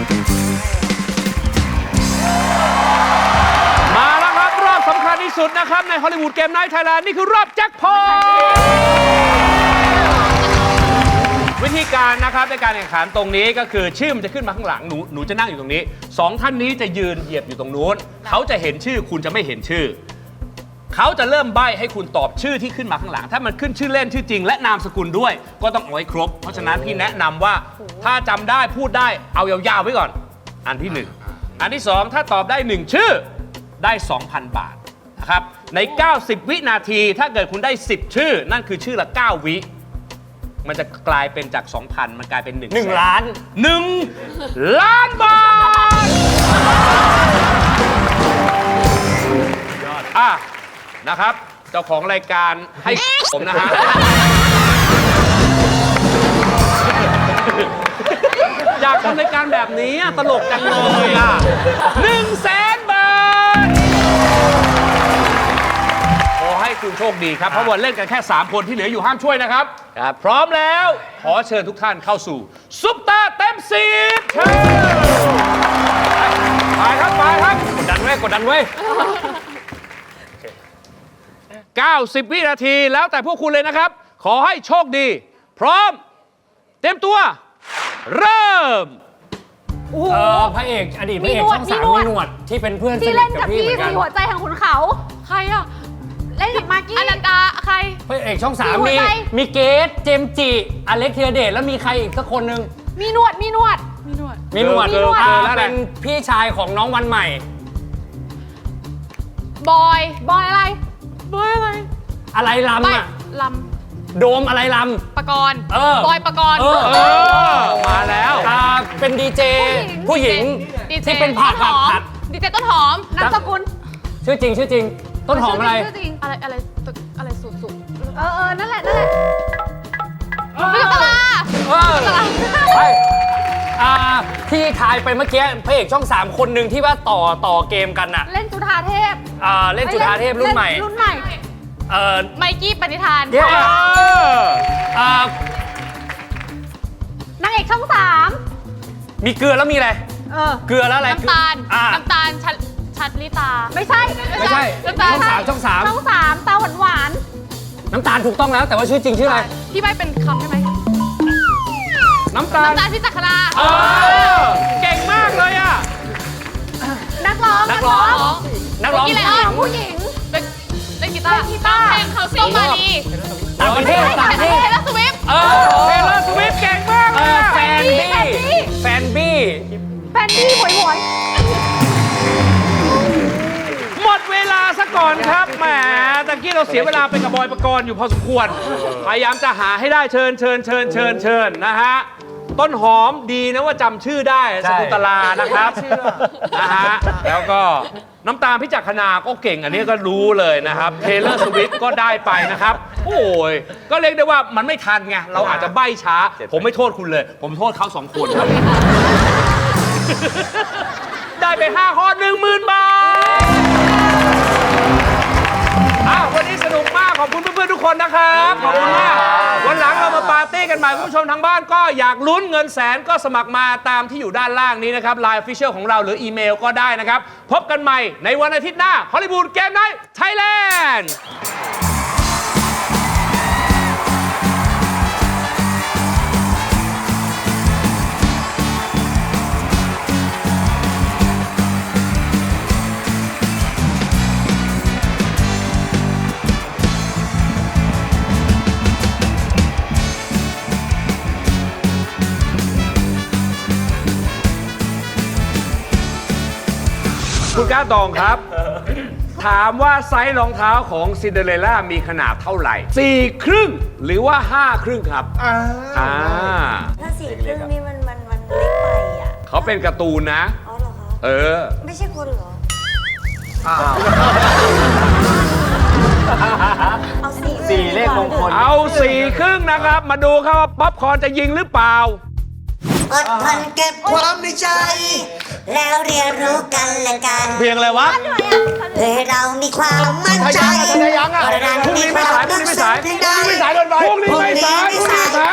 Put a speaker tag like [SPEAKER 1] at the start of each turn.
[SPEAKER 1] มาแล้วครับรอบสำคัญที่สุดนะครับในฮอลลีวูดเกมไนท์ไทยแลนด์นี่คือรอบแจ็คพอตวิธีการนะครับในการแข่งขันตรงนี้ก็คือชื่อมันจะขึ้นมาข้างหลังหนูจะนั่งอยู่ตรงนี้2 ท่านนี้จะยืนเหยียบอยู่ตรงนู้นเขาจะเห็นชื่อคุณจะไม่เห็นชื่อเขาจะเริ่มใบ้ให้คุณตอบชื่อที่ขึ้นมาข้างหลังถ้ามันขึ้นชื่อเล่นชื่อจริงและนามสกุลด้วยก็ต้องเอาไว้ครบเพราะฉะนั้นพี่แนะนำว่าถ้าจำได้พูดได้เอายาวๆไว้ก่อนอันที่1อันที่2ถ้าตอบได้1ชื่อได้ 2,000 บาทนะครับใน90วินาทีถ้าเกิดคุณได้10ชื่อนั่นคือชื่อละ9วิมันจะกลายเป็นจาก 2,000 มันกลายเป็น1
[SPEAKER 2] ล้าน
[SPEAKER 1] 1 ล้านบาทอ่ะนะครับเจ้าของรายการให้ผมนะฮะอยากทำรายการแบบนี้ตลกจังเลยอ่ะ100,000 บาทขอให้คุณโชคดีครับเพราะวันเล่นกันแค่3 คนที่เหลืออยู่ห้ามช่วยนะครับพร้อมแล้วขอเชิญทุกท่านเข้าสู่ซุปตาเต็ม10เชิญไปครับกดดันไว้90 วินาทีแล้วแต่พวกคุณเลยนะครับขอให้โชคดีพร้อมเต็มตัวเริ่ม
[SPEAKER 2] พระเอกอดีตพระเอกช่อง3มีหนวดที่เป็นเพื่อนสนิทกับพี่เหมือนกัน
[SPEAKER 3] ที่เล่นกับพี่สีหัวใจของขุนเขาใครอ่ะเล่นกับมากกี้อนันดาใคร
[SPEAKER 2] พระเอกช่อง3มีเกสเจมจิอเล็กธีรเดชแล้วมีใครอีกสักคนนึง
[SPEAKER 3] มีหนวด
[SPEAKER 2] เป็นพี่ชายของน้องวันใหม่
[SPEAKER 3] บอยอะไร
[SPEAKER 2] อะไรลำอ่ะ
[SPEAKER 3] ล
[SPEAKER 2] ำโดมอะไรล
[SPEAKER 3] ำปกรณ์บอยปกรณ์
[SPEAKER 1] มาแล้ว
[SPEAKER 2] เป็นดีเจผู้หญิงที่เป็นผัด
[SPEAKER 3] ดีเจต้นหอมนามสกุล
[SPEAKER 2] ชื่อจริงต้นหอมอะไร
[SPEAKER 3] สุดนั่นแหละพี่กะลา
[SPEAKER 2] ที่ทายไปเมื่อกี้พระเอกช่อง3คนหนึ่งที่ว่าต่อเกมกันน่ะ
[SPEAKER 3] เล่นจุฑาเทพ
[SPEAKER 2] เล่นจุฑาเทพรุ่นใหม่
[SPEAKER 3] ไมกี้ปณิธานนางเอกช่อง3
[SPEAKER 2] มีเกลือแล้วมีอะไรเกลือแล้วอะไร
[SPEAKER 3] น้ำตาลชัดลิตาไม่ใช่
[SPEAKER 2] ช่อง3
[SPEAKER 3] ตาหวาน
[SPEAKER 2] น้ำตาลถูกต้องแล้วแต่ว่าชื่อจริงชื่ออะไร
[SPEAKER 3] ที่ไม่เป็นคำใช่ไหม
[SPEAKER 1] น้ำตาล
[SPEAKER 3] พี่จักรนา
[SPEAKER 1] เก่งมากเลยอ่ะ
[SPEAKER 3] นักร้อง
[SPEAKER 2] ผู้หญิง
[SPEAKER 3] เล่นกีตาร์เพลงเขาซิ่งมาดี
[SPEAKER 2] ต่างประเทศ
[SPEAKER 3] เทเลอร์สวิฟต์
[SPEAKER 1] เก่งมากเลย
[SPEAKER 2] แฟนบี้
[SPEAKER 3] หวย
[SPEAKER 1] หมดเวลาซะก่อนครับแหมตะกี้เราเสียเวลาไปกับบอยปกรณ์อยู่พอสมควรพยายามจะหาให้ได้เชิญนะฮะต้นหอมดีนะว่าจำชื่อได้สกุลตลานะครับนะฮะแล้วก็น้ำตาลพิจักขณาก็เก่งอันนี้ก็รู้เลยนะครับเทเลอร์สวิฟต์ก็ได้ไปนะครับโอ้ยก็เรียกได้ว่ามันไม่ทันไงเราอาจจะใบ้ช้าผมไม่โทษคุณเลยผมโทษเขา2 คนครับได้ไป5 ข้อ 10,000 บาทวันนี้สนุกมากขอบคุณเพื่อนๆทุกคนนะครับขอบคุณมากวันหลังเรามาปาร์ตี้กันใหม่คุณผู้ชมทางบ้านก็อยากลุ้นเงินแสนก็สมัครมาตามที่อยู่ด้านล่างนี้นะครับ Line Official ของเราหรืออีเมลก็ได้นะครับพบกันใหม่ในวันอาทิตย์หน้าฮอลลีวูดเกมไนท์ไทยแลนด์คุณก้าตองครับ ถามว่าไซส์รองเท้าของซินเดอเรลล่ามีขนาดเท่าไหร่4 ครึ่งหรือว่า5 ครึ่งครับ
[SPEAKER 4] ถ้า4 ครึ่งนี่มันเล็กไปอ่ะ
[SPEAKER 1] เขาเป็นการ์ตูนนะ
[SPEAKER 4] อ๋อเหรอคะไม่ใช่คนเหรอเอา4
[SPEAKER 2] เลขมงคล
[SPEAKER 1] เอา4 ครึ่งนะครับมาดูครับว่าป๊อปคอร์นจะยิงหรือเปล่า
[SPEAKER 4] อดทนเก็บความในใจแล้วเรียนรู้กันและกัน
[SPEAKER 1] เพลงอะไรวะ
[SPEAKER 4] เพื่อเรามีความมั่นใจ
[SPEAKER 1] พรุ่งนี้ไม่สายพรุ่งนี้ไม่สายพรุ่งนี้ไม่สาย